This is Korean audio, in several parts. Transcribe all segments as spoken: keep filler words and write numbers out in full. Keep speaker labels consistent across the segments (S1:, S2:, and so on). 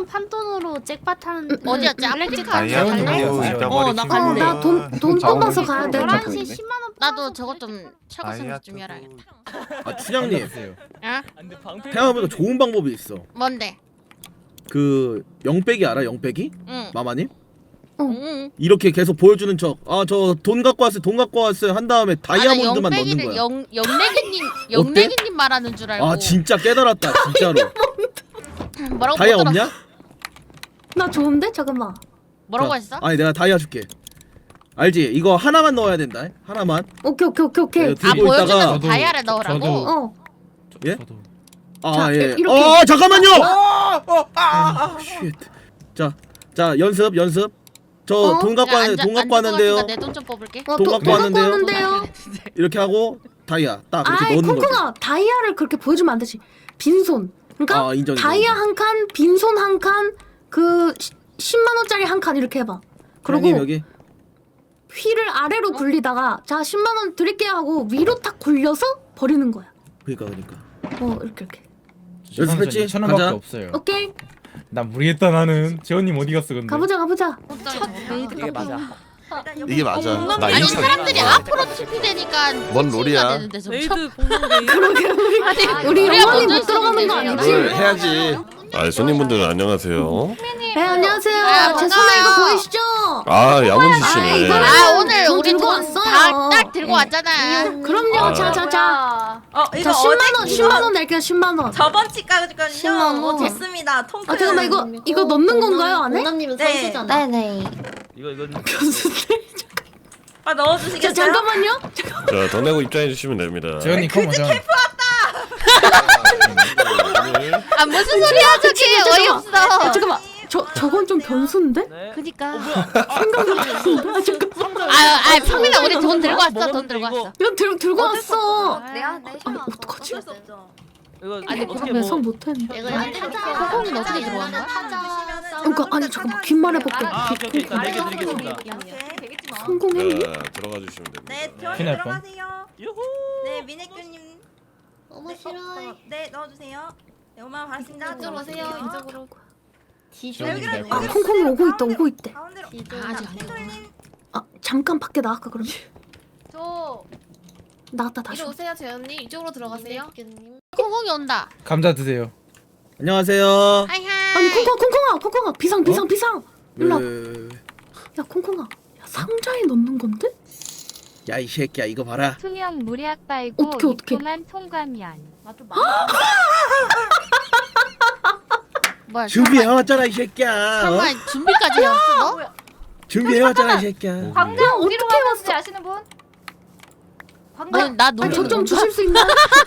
S1: 원 판돈으로 잭팟 하는
S2: 어디였지?
S1: 블랙잭
S2: 다이아
S1: 하는 거 갈래?
S2: 어, 나 갈래.
S3: 나돈 뽑아서 가야 돼.
S1: 열한 시 십만 원.
S2: 나도 저거 좀 철거 생각 좀 해야겠다.
S4: 아 춘향님
S2: 응?
S4: 생각해보니까 좋은 방법이 있어.
S2: 뭔데?
S4: 그 영빼기 알아? 영빼기?
S2: 응.
S4: 마마님?
S2: 응.
S4: 이렇게 계속 보여주는 척. 아 저 돈 갖고 왔어요. 돈 갖고 왔어요. 한 다음에 다이아몬드만 넣는 거야.
S2: 영 영래기님 영래기님 말하는 줄 알고.
S4: 아 진짜 깨달았다 진짜로.
S2: 뭐라고
S4: 다이아
S2: 못
S4: 없냐?
S3: 나 좋은데? 잠깐만.
S2: 뭐라고
S4: 자,
S2: 했어?
S4: 아니 내가 다이아 줄게. 알지? 이거 하나만 넣어야 된다. 하나만.
S3: 오케이 오케이 오케이 오케이.
S4: 네,
S2: 아
S4: 들고
S2: 보여주면
S4: 있다가
S2: 다이아를 넣으라고?
S5: 저도.
S3: 어.
S4: 예?
S5: 저도.
S4: 아
S3: 자,
S4: 예.
S3: 이렇게.
S4: 어 잠깐만요. 아, 쉣. 자, 자 연습 연습. 저 돈
S3: 어?
S4: 갖고 왔, 돈 갖고 왔는데요.
S2: 내돈 좀 뽑을게.
S3: 어,
S4: 돈
S3: 돈
S4: 갖고
S3: 갖고
S4: 왔는데요.
S3: 왔는데요.
S4: 이렇게 하고 다이아 딱 이렇게
S3: 아이
S4: 넣는 거지.
S3: 콩콩아 다이아를 그렇게 보여주면 안 되지. 빈손. 그러니까
S4: 아, 인정, 인정,
S3: 다이아
S4: 인정.
S3: 한 칸, 빈손 한 칸, 그 십만 원짜리 한 칸 이렇게 해봐. 그리고
S4: 형님 여기.
S3: 휘를 아래로 굴리다가 자 십만 원 드릴게요 하고 위로 탁 굴려서 버리는 거야.
S4: 그러니까 그러니까.
S3: 어 이렇게 이렇게.
S4: 연습했지?
S5: 천 원밖에
S4: 가자.
S5: 없어요.
S3: 오케이
S5: 난 모르겠다 나는. 재원님 어디 갔어 근데?
S3: 가보자 가보자.
S6: 이게 맞아.
S7: 이게 맞아. 나
S2: 아니
S7: 인천.
S2: 사람들이 앞으로 티피 되니까
S7: 뭔 롤이야?
S6: 메이드 공룡
S3: 그러게 우리
S2: 아니,
S3: 우리
S2: 우리가
S3: 영원히
S2: 먼저
S3: 못 들어가는 거
S2: 했었는데.
S3: 아니지?
S7: 롤 해야지. 아 손님분들 안녕하세요.
S3: 네 안녕하세요.
S2: 아,
S3: 제
S2: 반가워요.
S3: 손에 이거 보이시죠?
S7: 아 야무지
S3: 아,
S7: 씨네.
S3: 이거는-
S2: 아 오늘
S3: 돈
S2: 우리
S3: 들고
S2: 돈
S3: 왔어요.
S2: 다 딱 들고 왔잖아.
S3: 그럼요.
S7: 아.
S3: 자자자.
S8: 어
S3: 자
S8: 이거
S3: 십만
S8: 어제
S3: 원 십만 원 낼게요 십만 원.
S8: 저번 치까지거든요.
S3: 십만 원.
S8: 어, 됐습니다. 통큰.
S3: 아 잠깐만 이거 이거 넣는 건가요 안에?
S1: 공남님은
S8: 네.
S1: 선수잖아.
S3: 네네.
S6: 이거 이거
S8: 아
S3: 자
S8: 넣어주시겠어요?
S3: 잠깐만요.
S7: 자 더 내고 입장해 주시면 됩니다.
S5: 재원님 컴 먼저.
S2: 아 무슨 소리야 저게
S3: 잠깐만.
S2: 어이없어.
S3: 아, 잠깐만. 저 저건 좀 변수인데?
S2: 그니까.
S3: 생각이 변수인데? 아 잠깐만.
S2: 아아 평민아 우리 돈 들고 왔어 돈 들고 왔어.
S3: 이거 들 들고 왔어.
S1: 내가 내
S3: 아니 어떡하지?
S8: 어쩔 수 없죠.
S6: 이거
S2: 아니,
S6: 어떻게
S3: 아, 매성
S6: 뭐
S3: 못했네.
S2: 이거 코콩이는 어떻게 들어간 거야?
S3: 그러니까 아니 잠깐만 귓말 해볼게.
S6: 아, 오케이, 오케이. 일단 내게 드리겠습니다.
S8: 오케이.
S3: 성공했니?
S7: 자 들어가 주시면 됩니다.
S8: 네 들어
S5: 피날 뻔.
S8: 들어가세요.
S6: 유후.
S8: 네 민혜규님.
S1: 너무
S8: 네,
S1: 싫어.
S8: 어, 네 넣어주세요. 네 오만 원 받았습니다.
S1: 이쪽으로 오세요. 이쪽으로.
S5: 재원님 낼
S3: 아
S5: 거야.
S3: 콩콩이 오고 있다 오고 있대.
S8: 가운데로.
S2: 아, 아직 안
S8: 님
S3: 아 잠깐 밖에 나갈까 그럼?
S1: 저
S3: 나갔다
S1: 이리
S3: 다시.
S1: 오세요 재현님. 이쪽으로 들어가세요.
S2: 콩콩이 온다.
S5: 감자 드세요.
S4: 안녕하세요.
S2: 하이하이.
S3: 아니 콩콩 콩콩아 콩콩아 비상 비상 비상. 일로 와.
S4: 네.
S3: 야 콩콩아. 야 상자에 넣는 건데?
S4: 야이 새끼야 이거 봐라.
S9: 투명 무략 빨고
S3: 어떡해, 어떡해.
S9: 입고만 통과면
S2: 뭐야?
S4: 준비해 왔잖아 이 새끼야. 어?
S2: 잠깐 준비까지 해왔어 너?
S4: 준비해 왔잖아 이 새끼야.
S3: 광장 어디로 가는지
S9: 아시는 분?
S2: 아니 나
S3: 아니
S2: 노래.
S3: 저 좀 주실 수 있나?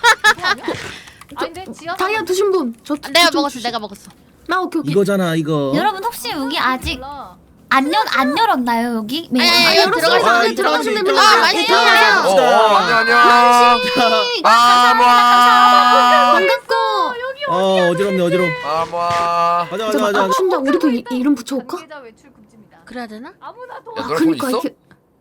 S9: 아닌데 지하
S3: 다이아 드신 분. 저
S2: 아, 내가
S3: 저 좀
S2: 먹었어
S3: 주시-
S2: 내가 먹었어.
S3: 나 오케이 오케이.
S4: 이거잖아 이거.
S10: 여러분 혹시 여기 아직 안, 열, 안 열었나요 여기? 네.
S2: 아니,
S3: 아,
S2: 아니,
S3: 열었어요.
S2: 들어가서
S4: 아,
S3: 네, 들어가시면 됩니다.
S2: 아, 맛있게
S3: 네,
S2: 드세요.
S7: 어 안녕 안녕. 아마.
S3: 반갑고.
S4: 어 어지럽네 어지러.
S7: 아마.
S4: 가자 가자
S3: 잠깐
S4: 가자.
S3: 아 춘자 우리도 이, 이름 붙여올까?
S9: 관계자 외출 금지입니다.
S2: 그래야 되나?
S9: 아무나 도
S7: 야
S3: 아
S7: 너네 돈
S3: 그니까
S7: 있어?
S3: 이게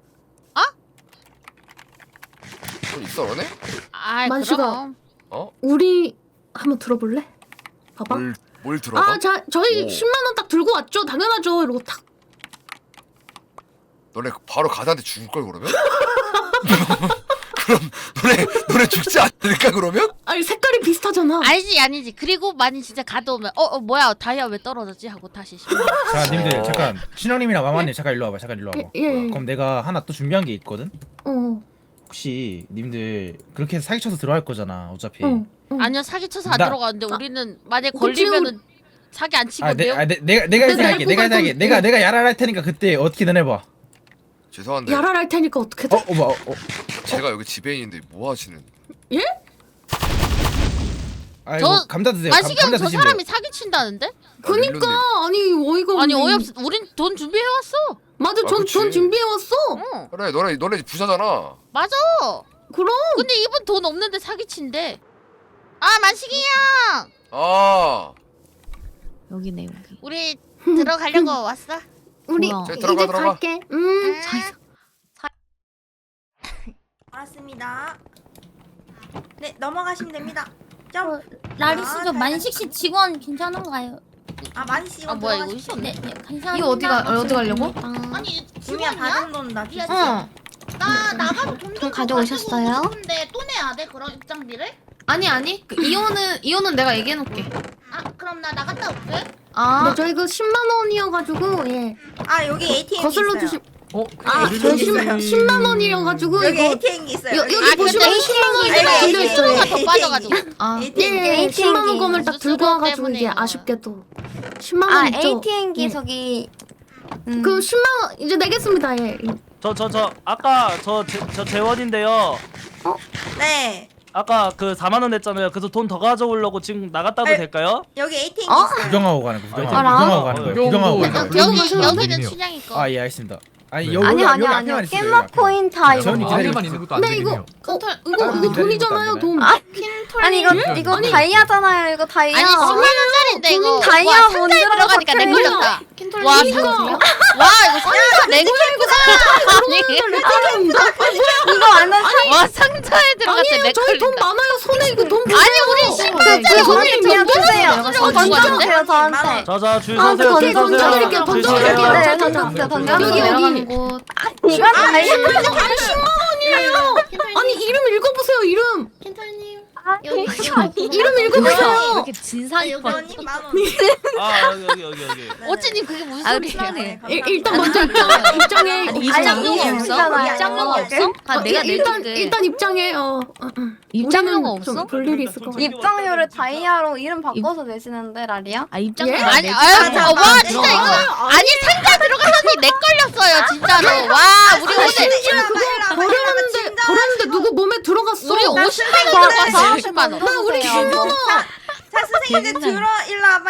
S7: 돈 있어 너네?
S2: 아
S3: 만식아.
S2: 그럼.
S7: 어?
S3: 우리 한번 들어볼래? 봐봐.
S7: 뭘, 뭘 들어가?
S3: 아, 자, 저희
S7: 오.
S3: 십만 원 딱 들고 왔죠. 당연하죠. 이러고 탁.
S7: 너네 바로 가다한테 죽을 걸 그러면? 그럼 너네 너네 죽지 않을까 그러면?
S3: 아니 색깔이 비슷하잖아.
S2: 아니지 아니지. 그리고 많이 진짜 가져오면 어, 어 뭐야 다이아 왜 떨어졌지 하고 다시 심어.
S5: 자 님들 잠깐 신영님이랑 마마님 잠깐 일로 와봐. 잠깐 일로 와봐.
S3: 예, 예.
S5: 그럼 내가 하나 또 준비한 게 있거든.
S3: 어.
S5: 혹시 님들 그렇게 해서 사기쳐서 들어갈 거잖아 어차피.
S3: 어. 어.
S2: 아니요 사기 쳐서 안
S5: 나-
S2: 들어가는데 우리는 만약
S3: 그치,
S2: 걸리면은 사기 안
S5: 아, 내,
S2: 치거든요.
S5: 아, 내, 내가 내가
S3: 내가
S5: 예상할게. 내가
S3: 알고
S5: 예상할게.
S3: 갈
S5: 내가
S3: 건-
S5: 내가 야랄 할 테니까 그때 어떻게든 해봐.
S7: 죄송한데
S3: 야랄 할 테니까 어떻게 돼?
S5: 어, 어, 뭐, 어.
S7: 제가 여기 지배인인데 뭐 하시는?
S5: 아이고
S2: 저-
S5: 감자 드세요. 감,
S2: 마시경
S5: 감자
S2: 저
S5: 드시면
S2: 사람이 사기 친다는데?
S3: 그니까 아니 어이가
S2: 아니
S3: 없네.
S2: 어이없어. 우린 돈 준비해 왔어.
S3: 맞아.
S7: 아,
S3: 전,
S7: 그치.
S3: 전 준비해 왔어.
S2: 어
S7: 그래 너네 너네 부자잖아.
S2: 맞아.
S3: 그럼.
S2: 근데 이분 돈 없는데 사기 친대. 아 만식이 형.
S7: 아.
S10: 여기네 여기.
S2: 우리 들어가려고 왔어.
S3: 우리
S10: 뭐야.
S7: 자,
S3: 이제
S7: 들어가, 들어가.
S3: 갈게. 음.
S8: 알았습니다. 네 넘어가시면 됩니다. 점.
S10: 라리스 저 만식 씨 직원 괜찮은가요?
S8: 아 많이 씹어.
S2: 아 뭐야 이거 있었네.
S1: 이거 어디가 어디 가려고?
S10: 아니
S8: 중요한 받은 돈나 주세요.
S1: 어.
S10: 나 나가서 돈,
S1: 돈 가져오셨어요?
S10: 근데 또 내야 돼 그런 입장비를?
S1: 아니 아니. 그 이혼은 이혼은 내가 얘기해 놓을게.
S10: 아 그럼 나 나갔다 올게.
S1: 아.
S3: 네, 저 이거 십만 원이어가지고 예
S8: 아 여기 에이티엠
S3: 거슬러
S8: 있어요.
S3: 주시.
S6: 어?
S8: 아,
S3: 저
S8: 있어요.
S3: 십만 원이어가지고
S8: 여기
S3: 이거
S8: 에이티엠 있어요.
S3: 여,
S8: 여기
S3: 여기 보시면
S8: 에이티엠
S3: 십만 원이
S8: 아이고,
S3: 걸려
S8: 에이티엠.
S3: 있어요.
S2: 더 빠져가지고.
S1: 아.
S8: 에이티엠.
S3: 예, 십만 원 검을 딱 들고
S2: 수수료
S3: 와가지고 이게
S2: 때문에
S3: 아쉽게도 십만 원 있죠.
S1: 에이티엠기
S3: 예.
S1: 저기
S3: 그 십만 원 이제 내겠습니다. 예.
S6: 저 저 저 아까 저 저 재원인데요.
S8: 네.
S6: 아까 그 사만 원 냈잖아요. 그래서 돈 더 가져오려고 지금 나갔다도
S8: 에.
S6: 될까요?
S8: 여기 에이티엠
S1: 어?
S8: 있어요.
S5: 구경하고 가는 거 구경하고
S6: 알아?
S5: 구경하고 가는 거예요. 구경하고 가는
S2: 여,
S5: 거예요.
S2: 여기 여기는 춘향이 거.
S5: 아 예 알겠습니다. 아니
S6: 네.
S5: 여기
S1: 아니
S5: 여기
S1: 아니
S5: 여기
S1: 아니요.
S5: 앞에만 있어요,
S1: 깻맛
S5: 여기 앞에.
S1: 코인 다 이거.
S5: 재원이 기다리고
S11: 안에만
S5: 있어요.
S11: 있는 것도 안
S3: 근데 이거
S11: 되겠네요.
S3: 어, 이거 이거
S5: 기다리는
S3: 돈이잖아요.
S5: 것도
S3: 돈.
S1: 아, 아니 이거 이거 다이아잖아요. 이거 다이아.
S2: 아니 십만 원짜리인데 이거
S1: 다이아
S2: 와,
S1: 못
S2: 상자에 들어가니까 내
S1: 들어가서
S2: 걸렸다.
S1: 캔톨
S2: 와,
S1: 이거
S2: 와 이거 상자 내 걸렸구나. 아니
S1: 이거 안 한.
S2: 와 상자에 들어갔대 내
S3: 아니에요. 저희 돈
S2: 걸린다.
S3: 많아요. 손에 이거 돈 보세요.
S2: 아니 우리 십만짜리
S1: 그
S2: 돈을
S1: 그냥 주세요.
S2: 던져주려고
S1: 던져주세요 저한테.
S6: 자자 줄
S3: 아,
S6: 서세요.
S3: 오케이,
S6: 줄 서세요.
S3: 던져드릴게요,
S6: 줄
S3: 던져드릴게요.
S6: 서세요.
S1: 네 던져주세요. 던져주세요.
S3: 여기, 여기.
S1: 내려가는 곳. 이건 다이아.
S3: 아니 이름 읽어보세요. 이름.
S1: 캔톨님.
S3: 이름
S2: 왜
S3: 읽어보세요.
S2: 이렇게 진상이 뻔.
S8: 여기 만 원.
S6: 아 여기 여기 여기 여기.
S2: 어찌님 그게 무슨
S1: 아,
S2: 소리야?
S8: 네,
S3: 일,
S8: 감사합니다.
S3: 일단 먼저 입장 입장해.
S2: 아니
S3: 입장.
S2: 입장료가
S1: 아니,
S2: 없어?
S1: 아니잖아요.
S2: 입장료가 없어? 아
S3: 어,
S2: 내가
S3: 일- 일단
S2: 낼게.
S3: 일단 입장해. 어. 어, 어.
S2: 입장료가
S3: 우리는 좀
S2: 없어?
S3: 볼 일이 있을 것 같아.
S1: 입장료를 다이아로 이름 바꿔서 내시는데 라리야?
S2: 아 입장료
S3: 예?
S2: 아니
S8: 아,
S2: 아유
S8: 잠깐만.
S2: 어, 와 진짜 이거 아니 상자 들어가더니 내 걸렸어요 진짜로. 와 우리 오늘
S3: 버렸는데 버렸는데 누구 몸에 들어갔어?
S2: 우리 오십만 원 들어갔어. 오십만 원.
S3: 나 우리 십만 원.
S8: 자 선생님들 들어 일로 와봐.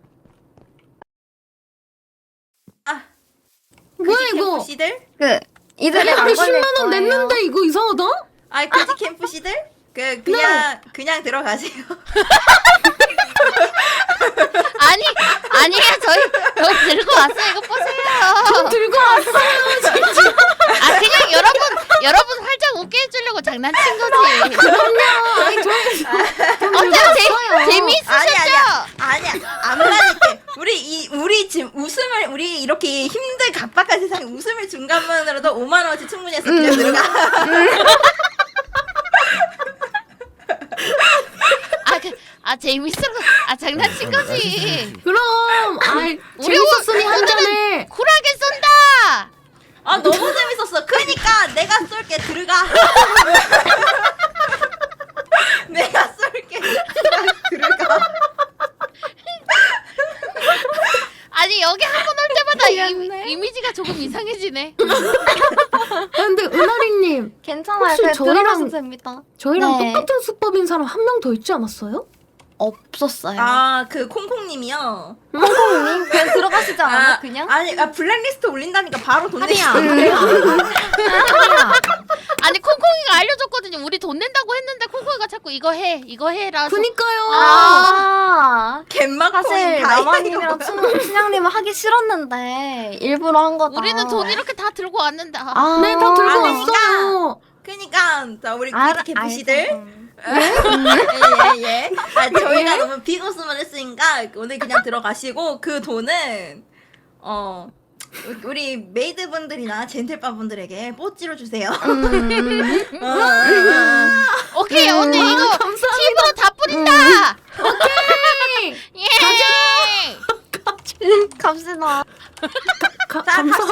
S8: 아
S3: 뭐야 이거?
S8: 캠프시들?
S1: 그 이들이 안
S3: 우리
S1: 걸릴
S3: 십만 원
S1: 거예요.
S3: 냈는데 이거 이상하다?
S8: 아 그지 캠프시들? 그 그냥 그냥 들어가세요.
S2: 아니 아니야 저희 저희 들고 왔어요 이거 보세요.
S3: 들고 왔어요.
S2: 아 그냥 여러분 여러분 활짝 웃게 해주려고 장난친 거지.
S3: 아니 저
S2: 어때요? 재 재미있으셨죠?
S8: 아니야 아니야 안 받을게. 우리 이 우리 지금 웃음을 우리 이렇게 힘든 각박한 세상에 웃음을 준 것만으로도 오만 원어치 충분히 해서 그냥 들어가.
S2: 아, 그, 아 재밌어. 아 장난친 거지.
S3: 그럼 아이
S2: 우리
S3: 재밌었으니
S2: 오-
S3: 한 잔에
S2: 쿨하게 쏜다.
S8: 아 너무 재밌었어. 그러니까 내가 쏠게 들어가. 내가 쏠게 들어가.
S2: 아니 여기 한 번 올 때마다 이, 이미지가 조금 이상해지네.
S3: 아, 근데 은하리님
S1: 괜찮아요.
S3: 혹시
S1: 그냥
S3: 저희랑-
S1: 들어가셔도 됩니다.
S3: 저희랑
S1: 네.
S3: 똑같은 수법인 사람 한 명 더 있지 않았어요?
S1: 없었어요.
S8: 아 그 콩콩님이요.
S1: 콩콩님 그냥 들어가시지 않아요?
S8: 아,
S1: 그냥?
S8: 아니 아 블랙리스트 올린다니까 바로 돈 내시.
S1: 하리야.
S2: 아니 콩콩이가 알려줬거든요. 우리 돈 낸다고 했는데 콩콩이가 자꾸 이거 해 이거 해라서.
S3: 그니까요.
S1: 아.
S8: 갯막
S1: 사실
S8: 코인 다
S1: 라마님이랑 춘- 춘향님은 하기 싫었는데 일부러 한 거다.
S2: 우리는 돈 이렇게 다 들고 왔는데. 아,
S1: 아.
S3: 네, 다 들고
S8: 아,
S3: 왔어요.
S8: 그니까 자 우리
S1: 알아-
S8: 구디 캠프시들.
S1: 알죠.
S8: 예예예. 아 저희가 너무 비고스만 했으니까 오늘 그냥 들어가시고 그 돈은 어 우리 메이드분들이나 젠틀바분들에게 뽀찌로 주세요.
S1: 음.
S8: 어, 어, 어.
S2: 오케이 언니 이거 팁으로 다 뿌린다. 오케이. 예.
S1: 갑시다.
S3: 가,
S8: 자,
S3: 감사.